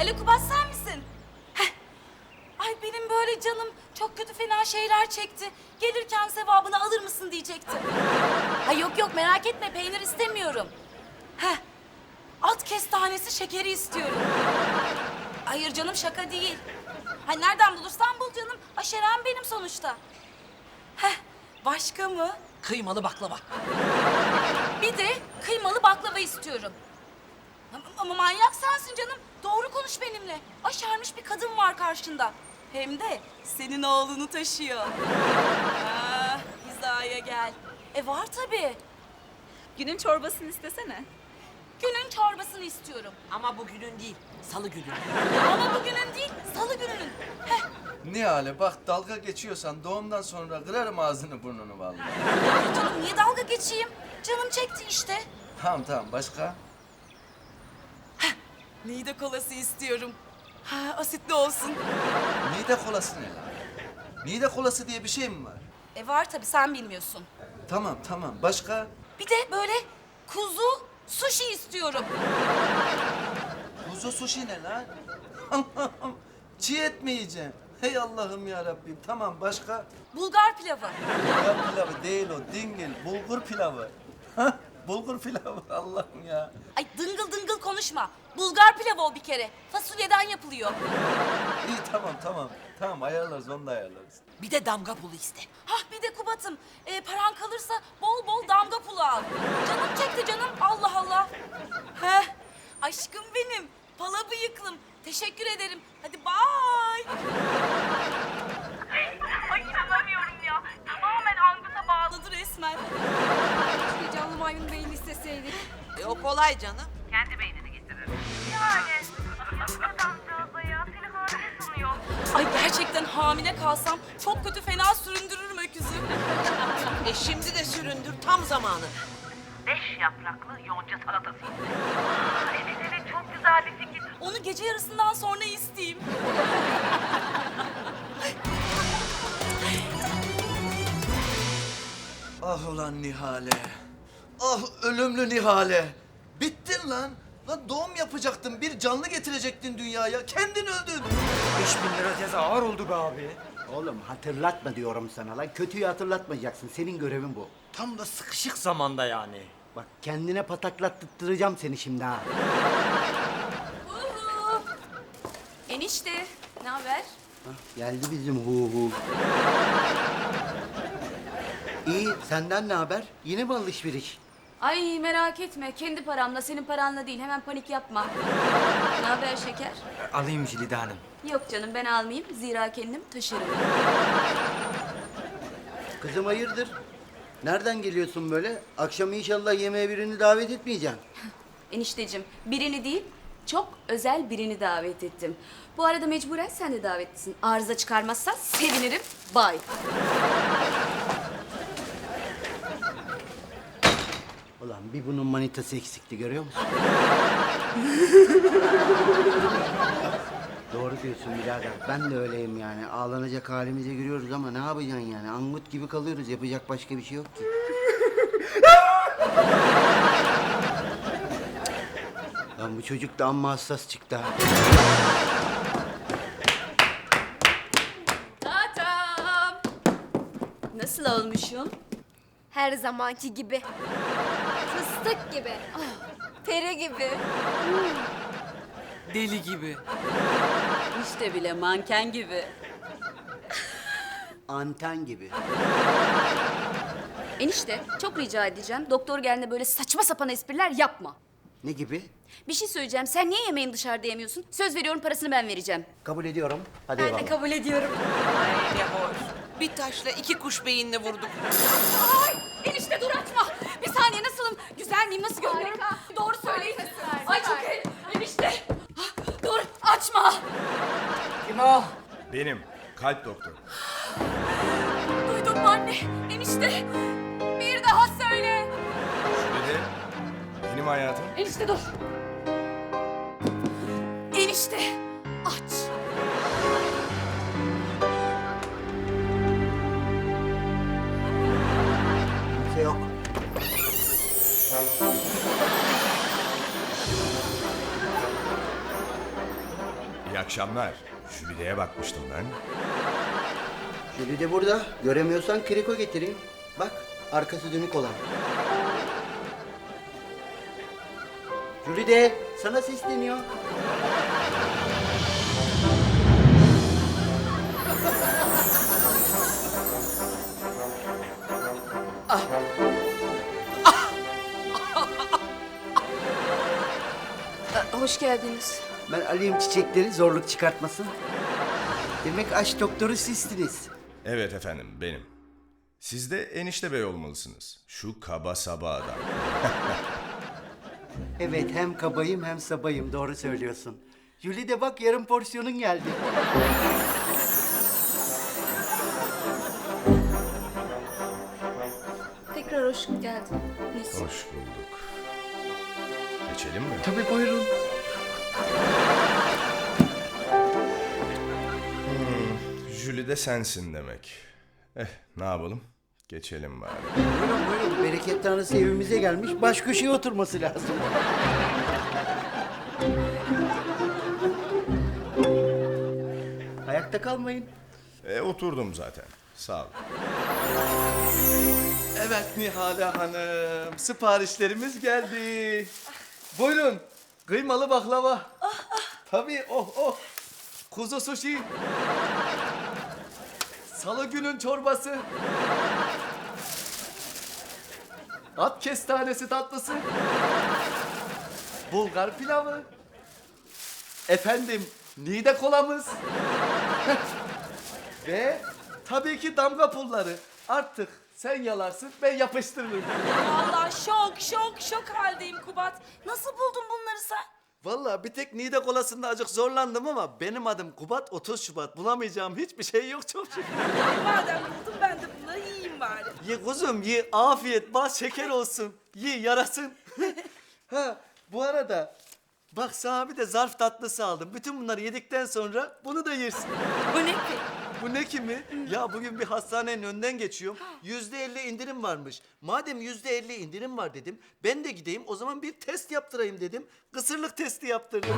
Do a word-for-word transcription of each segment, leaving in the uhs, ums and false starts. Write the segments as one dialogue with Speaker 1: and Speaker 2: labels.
Speaker 1: Alo Kubat, sen misin? Heh. Ay benim böyle canım çok kötü fena şeyler çekti. Gelirken sevabını alır mısın diyecektim. Ay yok yok, merak etme, peynir istemiyorum. Heh. At kestanesi şekeri istiyorum. Hayır canım, şaka değil. Hay nereden bulursan bul canım. Aşerem benim sonuçta. Heh. Başka mı?
Speaker 2: Kıymalı baklava.
Speaker 1: Bir de kıymalı baklava istiyorum. Ama, ama manyak sensin canım. Doğru konuş benimle. Aşermiş bir kadın var karşında. Hem de senin oğlunu taşıyor. Ah, hizaya gel. E var tabii.
Speaker 3: Günün çorbasını istesene.
Speaker 1: Günün çorbasını istiyorum.
Speaker 2: Ama bugünün değil, salı günü.
Speaker 1: Ama bugünün değil, salı gününün. Heh.
Speaker 4: Nihale bak, dalga geçiyorsan doğumdan sonra kırarım ağzını burnunu vallahi.
Speaker 1: Ay canım, niye dalga geçeyim? Canım çekti işte.
Speaker 4: Tamam tamam, başka?
Speaker 1: Nide kolası istiyorum. Ha, asitli olsun.
Speaker 4: Mide kolası ne lan? Mide kolası diye bir şey mi var?
Speaker 1: E var tabii, sen bilmiyorsun.
Speaker 4: Tamam tamam, başka?
Speaker 1: Bir de böyle kuzu sushi istiyorum.
Speaker 4: Kuzu sushi ne lan? Allah'ım, çiğ et mi yiyeceğim? Hey Allah'ım ya Rabbim. Tamam, başka?
Speaker 1: Bulgar pilavı.
Speaker 4: Ya pilavı değil o, dingil, bulgur pilavı. Hah, bulgur pilavı, Allah'ım ya.
Speaker 1: Ay dıngıl dıngıl konuşma. Bulgar pilavı o bir kere. Fasulyeden yapılıyor.
Speaker 4: İyi tamam tamam. Tamam, ayarlarız, onu da ayarlarız.
Speaker 2: Bir de damga pulu iste.
Speaker 1: Hah bir de Kubat'ım, e, paran kalırsa bol bol damga pulu al. Canım çekti canım, Allah Allah. Heh, aşkım benim, pala bıyıklım. Teşekkür ederim. Hadi bye.
Speaker 5: Ay inanamıyorum ya. Tamamen anguta bağlı.
Speaker 1: Bağladı resmen.
Speaker 3: Bir canlı maymun beyni isteseydik.
Speaker 2: E o kolay canım.
Speaker 5: Kendi beynini getirir. Yani. Adamcağıza ya. Seni hamile sanıyor.
Speaker 1: Ay gerçekten hamile kalsam çok kötü fena süründürürüm öküzü.
Speaker 2: E şimdi de süründür, tam zamanı.
Speaker 5: Beş yapraklı yonca salatası istedim. Aa, evet evet çok güzel bir fikir.
Speaker 1: Onu gece yarısından sonra isteyeyim.
Speaker 4: Ah ulan Nihale. Ah ölümlü Nihale. Bittin lan. Lan doğum yapacaktın, bir canlı getirecektin dünyaya. Kendin öldün.
Speaker 6: Beş bin lira ceza ağır oldu be abi.
Speaker 7: Oğlum hatırlatma diyorum sana lan. Kötüyü hatırlatmayacaksın. Senin görevin bu.
Speaker 6: Tam da sıkışık zamanda yani.
Speaker 7: Bak kendine pataklattıracağım seni şimdi ha.
Speaker 1: Uhu. Enişte, ne haber?
Speaker 7: Hah, geldi bizim hu hu. İyi, senden ne haber? Yine mi alışveriş?
Speaker 8: Ay merak etme. Kendi paramla, senin paranla değil. Hemen panik yapma. Ne haber şeker?
Speaker 6: Alayım Jülide Hanım.
Speaker 8: Yok canım, ben almayayım. Zira kendim taşırım.
Speaker 7: Kızım hayırdır? Nereden geliyorsun böyle? Akşam inşallah yemeğe birini davet etmeyeceksin.
Speaker 8: Enişteciğim, birini değil, çok özel birini davet ettim. Bu arada mecburen sen de davetlisin. Arıza çıkarmazsan sevinirim. Bye.
Speaker 7: Ulan bir bunun manitası eksikti, görüyor musun? Doğru diyorsun birader. Ben de öyleyim yani. Ağlanacak halimize giriyoruz ama ne yapacaksın yani? Angut gibi kalıyoruz. Yapacak başka bir şey yok ki. Lan bu çocuk da amma hassas çıktı ha.
Speaker 8: Tatam. Nasıl olmuşum?
Speaker 9: Her zamanki gibi. Fıstık gibi. Peri gibi.
Speaker 2: Deli gibi.
Speaker 8: İşte bile manken gibi.
Speaker 7: Anten gibi.
Speaker 8: Enişte, çok rica edeceğim. Doktor geldiğinde böyle saçma sapan espriler yapma.
Speaker 7: Ne gibi?
Speaker 8: Bir şey söyleyeceğim. Sen niye yemeğini dışarıda yemiyorsun? Söz veriyorum, parasını ben vereceğim.
Speaker 7: Kabul ediyorum. Hadi
Speaker 8: Ben de
Speaker 7: eyvallah.
Speaker 8: kabul ediyorum.
Speaker 2: Ay ne hoş. Bir taşla iki kuş beyinle vurduk.
Speaker 8: Ay enişte dur açma. Bir saniye, nasılım? Güzel miyim? Nasıl görünüyorum? Doğru söyleyin. Ay çok iyi. Enişte. Ah, dur açma.
Speaker 6: Kim o?
Speaker 10: Benim. Kalp doktoru.
Speaker 8: Duydun mu anne? Enişte. Bir daha söyle.
Speaker 10: Jülide, benim hayatım.
Speaker 8: Enişte dur. Enişte aç.
Speaker 7: Kimse yok.
Speaker 10: İyi akşamlar. Jülide'ye bakmıştım ben.
Speaker 7: Jüli de burada. Göremiyorsan kriko getireyim. Bak, arkası dönük olan. Jüli de sana sesleniyor.
Speaker 9: Hoş geldiniz.
Speaker 7: Ben alayım çiçekleri, zorluk çıkartmasın. Demek aşk doktoru sizsiniz.
Speaker 10: Evet efendim, benim. Siz de enişte bey olmalısınız. Şu kaba saba adam.
Speaker 7: Evet, hem kabayım hem sabayım. Doğru söylüyorsun. Jüli de bak, yarım porsiyonun geldi.
Speaker 9: Tekrar hoş geldiniz.
Speaker 10: Hoş bulduk. Geçelim mi?
Speaker 7: Tabii, buyurun.
Speaker 10: Jülide sensin demek. Eh, ne yapalım? Geçelim bari.
Speaker 7: Buyurun buyurun. Bereket tanrısı evimize gelmiş. Baş köşeye oturması lazım. Ayakta kalmayın.
Speaker 10: E, oturdum zaten. Sağ ol.
Speaker 4: Evet Nihale Hanım, siparişlerimiz geldi. Buyurun, kıymalı baklava. Tabii, oh oh. Kuzu sushi. Salı günün çorbası. At kestanesi tatlısı. Bulgar pilavı. Efendim, nide kolamız. Ve tabii ki damga pulları. Artık sen yalarsın, ben yapıştırırım.
Speaker 1: Vallahi şok şok şok haldeyim Kubat. Nasıl buldun bunları sen?
Speaker 4: Vallahi bir tek nide kolasında acık zorlandım ama benim adım Kubat, otuz Şubat. Bulamayacağım hiçbir şey yok çok şükür.
Speaker 2: Madem buldum ben de bunları yiyeyim bari.
Speaker 4: Ye kuzum ye, afiyet, bal şeker olsun. Ye yarasın. Ha, bu arada bak sana bir de zarf tatlısı aldım. Bütün bunları yedikten sonra bunu da yersin.
Speaker 1: Bu ne ki?
Speaker 4: Bu ne kimi? Ya bugün bir hastanenin önünden geçiyorum. Yüzde elli indirim varmış. Madem yüzde elli indirim var dedim, ben de gideyim o zaman bir test yaptırayım dedim. Kısırlık testi yaptırdım.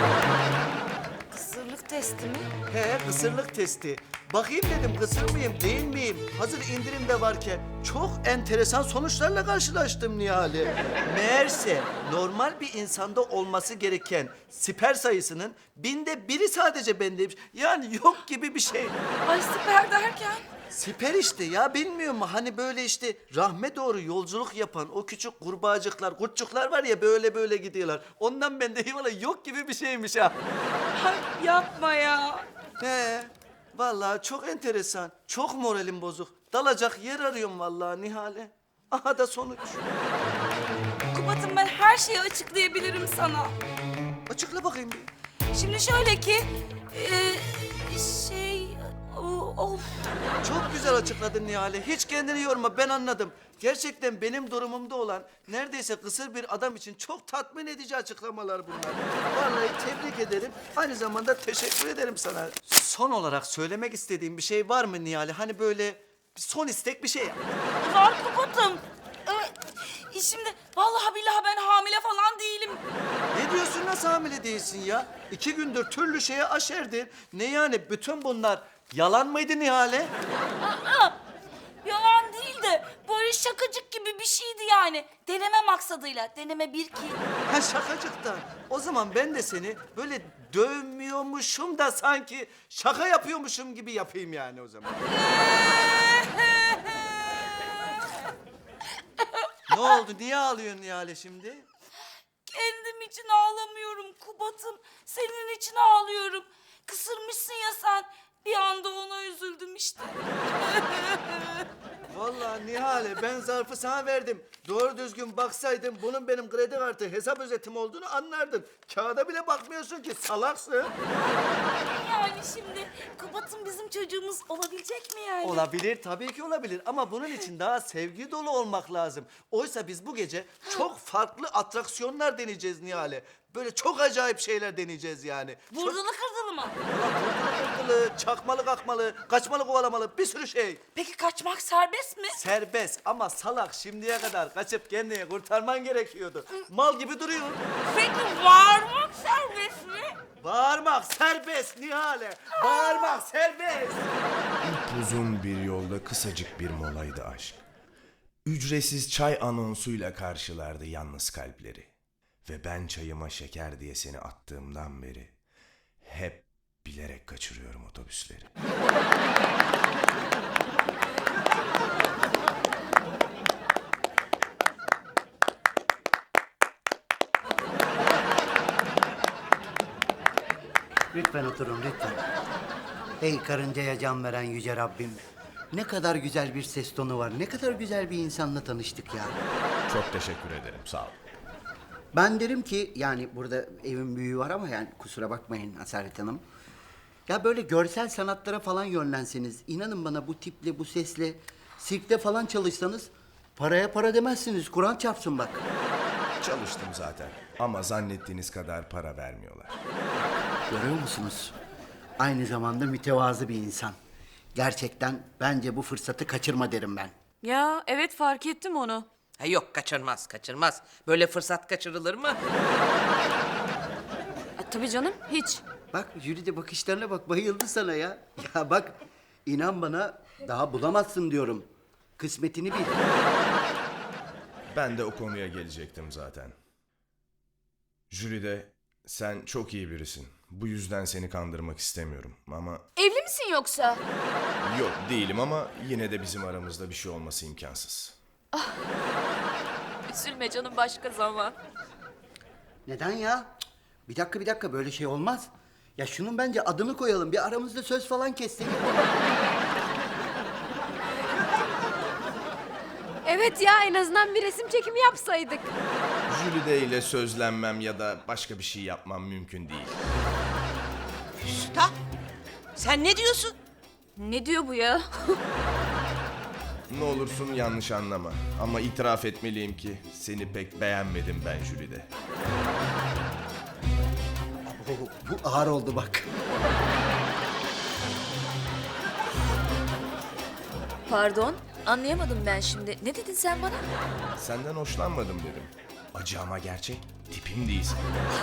Speaker 1: Kısırlık testi mi?
Speaker 4: He, kısırlık testi. Bakayım dedim, kısır mıyım, değil miyim? Hazır indirimde varken çok enteresan sonuçlarla karşılaştım Nihale. Meğerse normal bir insanda olması gereken siper sayısının binde biri sadece bendeymiş. Yani yok gibi bir şey.
Speaker 1: Ay siper derken?
Speaker 4: Siper işte ya, bilmiyor mu? Hani böyle işte rahme doğru yolculuk yapan o küçük kurbağacıklar, kurtçuklar var ya, böyle böyle gidiyorlar. Ondan bende vallahi yok gibi bir şeymiş ha.
Speaker 1: Ay yapma ya.
Speaker 4: He, vallahi çok enteresan. Çok moralim bozuk. Dalacak yer arıyorum vallahi Nihale. Aha da sonuç.
Speaker 1: Kubat'ım ben her şeyi açıklayabilirim sana.
Speaker 4: Açıkla bakayım bir.
Speaker 1: Şimdi şöyle ki... e, şey... o- Of.
Speaker 4: Çok güzel açıkladın Nihale. Hiç kendini yorma, ben anladım. Gerçekten benim durumumda olan neredeyse kısır bir adam için çok tatmin edici açıklamalar bunlar. Vallahi tebrik ederim. Aynı zamanda teşekkür ederim sana. Son olarak söylemek istediğim bir şey var mı Nihale? Hani böyle bir son istek bir şey yap.
Speaker 1: Var Kubat'ım. Evet. Şimdi vallahi billahi ben hamile falan değilim.
Speaker 4: Ne diyorsun, nasıl hamile değilsin ya? İki gündür türlü şeye aşerdin. Ne yani, bütün bunlar yalan mıydı Nihale?
Speaker 1: Aa, yalan değil de böyle şakacık gibi bir şeydi yani. Deneme maksadıyla. Deneme bir ki.
Speaker 4: Ha, şakacıktan. O zaman ben de seni böyle dövmüyormuşum da sanki şaka yapıyormuşum gibi yapayım yani o zaman. Ne oldu? Niye ağlıyorsun Nihale şimdi?
Speaker 1: Kendim için ağlamıyorum Kubat'ım. Senin için ağlıyorum. Kısırmışsın ya sen. Bir anda ona üzüldüm işte.
Speaker 4: Vallahi Nihale, ben zarfı sana verdim. Doğru düzgün baksaydın bunun benim kredi kartı hesap özetim olduğunu anlardın. Kağıda bile bakmıyorsun ki, salaksın.
Speaker 1: Yani şimdi Kubat'ım bizim çocuğumuz olabilecek mi yani?
Speaker 4: Olabilir, tabii ki olabilir ama bunun için daha sevgi dolu olmak lazım. Oysa biz bu gece çok farklı atraksiyonlar deneyeceğiz Nihale. Böyle çok acayip şeyler deneyeceğiz yani. Çok-
Speaker 1: Vurdulu kırdılı mı?
Speaker 4: Vurdulu kırdılı, çakmalı kakmalı, kaçmalı kovalamalı bir sürü şey.
Speaker 1: Peki kaçmak serbest mi?
Speaker 4: Serbest ama salak şimdiye kadar kaçıp kendini kurtarman gerekiyordu. Mal gibi duruyor.
Speaker 1: Peki varmak serbest mi?
Speaker 4: Bağırmak serbest Nihale. Bağırmak serbest.
Speaker 10: Uzun bir yolda kısacık bir molaydı aşk. Ücretsiz çay anonsuyla karşılardı yalnız kalpleri. Ve ben çayıma şeker diye seni attığımdan beri hep bilerek kaçırıyorum otobüsleri.
Speaker 7: Lütfen oturun lütfen. Ey karıncaya can veren yüce Rabbim. Ne kadar güzel bir ses tonu var. Ne kadar güzel bir insanla tanıştık ya.
Speaker 10: Çok teşekkür ederim, sağ ol.
Speaker 7: Ben derim ki yani burada evin büyüğü var ama yani kusura bakmayın Asalet Hanım. Ya böyle görsel sanatlara falan yönlenseniz, inanın bana bu tiple, bu sesle, sirkte falan çalışsanız paraya para demezsiniz. Kur'an çarpsın bak.
Speaker 10: Çalıştım zaten ama zannettiğiniz kadar para vermiyorlar.
Speaker 7: Görüyor musunuz? Aynı zamanda mütevazı bir insan. Gerçekten bence bu fırsatı kaçırma derim ben.
Speaker 8: Ya evet fark ettim onu.
Speaker 2: Ha yok kaçırmaz kaçırmaz. Böyle fırsat kaçırılır mı?
Speaker 8: E, tabii canım hiç.
Speaker 7: Bak Jülide bakışlarına bak, bayıldı sana ya. Ya bak inan bana daha bulamazsın diyorum. Kısmetini bil.
Speaker 10: Ben de o konuya gelecektim zaten. Jülide, sen çok iyi birisin. Bu yüzden seni kandırmak istemiyorum ama...
Speaker 9: Evli misin yoksa?
Speaker 10: Yok değilim ama yine de bizim aramızda bir şey olması imkansız.
Speaker 8: Üzülme canım başka zaman.
Speaker 7: Neden ya? Cık, bir dakika bir dakika böyle şey olmaz. Ya şunun bence adını koyalım. Bir aramızda söz falan kessek.
Speaker 3: Evet ya en azından bir resim çekimi yapsaydık.
Speaker 10: Jülide ile sözlenmem ya da başka bir şey yapmam mümkün değil.
Speaker 2: Usta sen ne diyorsun?
Speaker 8: Ne diyor bu ya?
Speaker 10: Ne olursun yanlış anlama ama itiraf etmeliyim ki seni pek beğenmedim ben Jülide.
Speaker 7: Oo, bu ağır oldu bak.
Speaker 8: Pardon anlayamadım ben şimdi. Ne dedin sen bana?
Speaker 10: Senden hoşlanmadım dedim. Acı ama gerçek, tipim değilsin.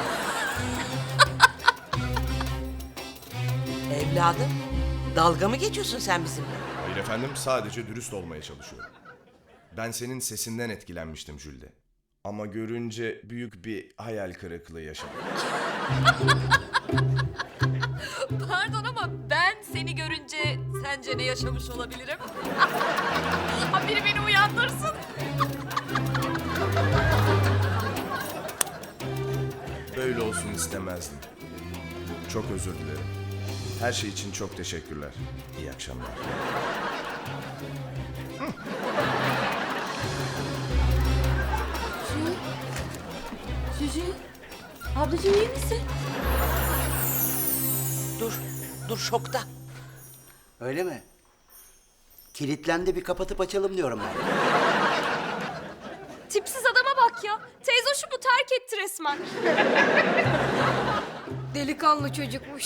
Speaker 2: Evladım dalga mı geçiyorsun sen bizimle?
Speaker 10: Hayır efendim, sadece dürüst olmaya çalışıyorum. Ben senin sesinden etkilenmiştim Jülide. Ama görünce büyük bir hayal kırıklığı yaşadım.
Speaker 8: Pardon ama ben seni görünce sence ne yaşamış olabilirim? Ha biri beni uyandırsın.
Speaker 10: Böyle olsun istemezdim. Çok özür dilerim. Her şey için çok teşekkürler. İyi akşamlar.
Speaker 8: Süzü. Ablacığım iyi misin?
Speaker 2: Dur dur şokta.
Speaker 7: Öyle mi? Kilitlendi, bir kapatıp açalım diyorum ben.
Speaker 3: Tipsiz adama bak ya. Teyze şu bu terk etti resmen. Delikanlı çocukmuş.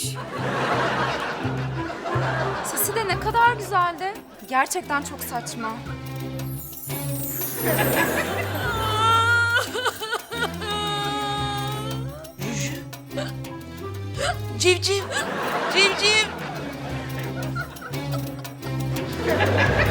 Speaker 3: Sesi de ne kadar güzeldi. Gerçekten çok saçma.
Speaker 2: Civciv civciv.